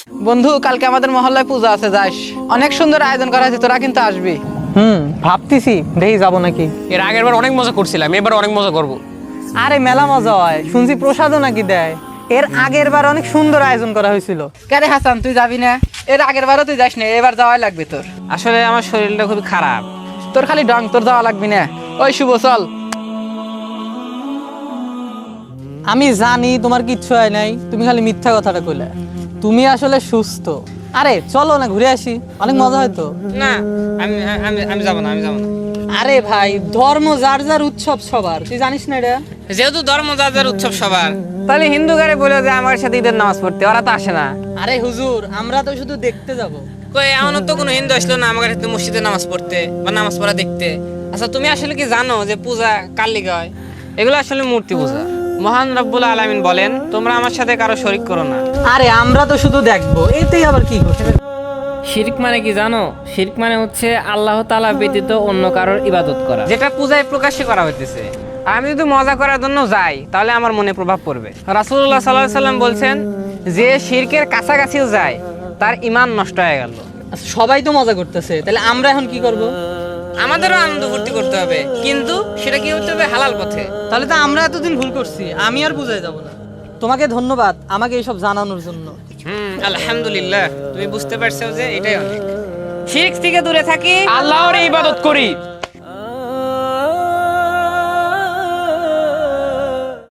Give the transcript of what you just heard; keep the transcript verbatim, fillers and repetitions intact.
বন্ধু, কালকে আমাদের মহল্লায় পূজা আছে, যাস। অনেক সুন্দর আয়োজন করা আছে, তোরা কিন্তু আসবি। হুম, ভাবতেছি দেখি যাবো নাকি। এর আগের বার অনেক মজা করছিলাম, এবার অনেক মজা করব। আরে মেলা মজা হয়, শুনছি প্রসাদও নাকি দেয়। এর আগের বার অনেক সুন্দর আয়োজন করা হয়েছিল। কেরে হাসান, তুই যাবি না? এর আগের বারও তুই যাস না, এবার যাওয়াই লাগবে তোর। আসলে আমার শরীরটা খুবই খারাপ। তোর খালি ডং, তোর যাওয়া লাগবি না। ওই শুভ, চল। আমি জানি তোমার কিচ্ছু হয় নাই, তুমি খালি মিথ্যা কথাটা কইলে। তুমি আসলে সুস্থ। আরে চলো না, ঘুরে আসি, অনেক মজা হয়তো। না, আমি আমি আমি যাব না, আমি যাব না। আরে ভাই, ধর্ম যার যার উৎসব সবার, তুই জানিস না এটা? যেহেতু ধর্ম যার যার উৎসব সবার, তাহলে হিন্দু গারে বলে যে আমার সাথে ঈদের নামাজ পড়তে, ওরা তো আসে না। আরে হুজুর, আমরা তো শুধু দেখতে যাব। কই এমন তো কোনো হিন্দু আসলো না আমার সাথে মসজিদে নামাজ পড়তে বা নামাজ পড়া দেখতে। আচ্ছা, তুমি আসলে কি জানো যে পূজা কার লিগে হয়? এগুলো আসলে মূর্তি পূজা। মহান রব্বুল আলামিন বলেন, তোমরা আমার সাথে কারো শরীক করো না। আরে আমরা তো শুধু দেখবো, এতেই আবার কি করছে? শিরক মানে কি জানো? শিরক মানে হচ্ছে আল্লাহ তাআলা ব্যতীত অন্য কারোর ইবাদত করা। যেটা পূজায় প্রকাশ্যে করা হইতেছে। আর আমি যদি মজা করার জন্য যাই, তাহলে আমার মনে প্রভাব পড়বে। রাসূলুল্লাহ সাল্লাল্লাহু আলাইহি সাল্লাম বলছেন, যে শিরকের কাছাকাছিও যায় তার ঈমান নষ্ট হয়ে গেল। আচ্ছা, সবাই তো মজা করতেছে, তাহলে আমরা এখন কি করব? আমাদেরও আনন্দ ফুর্তি করতে হবে, কিন্তু সেটা কি হতে হবে হালাল পথে। তাহলে তো আমরা এতদিন ভুল করছি, আমি আর বুঝাই যাব না। তোমাকে ধন্যবাদ আমাকে এইসব জানানোর জন্য। হুম, আলহামদুলিল্লাহ, তুমি বুঝতে পারছো যে এটাই অনেক। শিরক থেকে দূরে থাকি, আল্লাহর ইবাদত করি।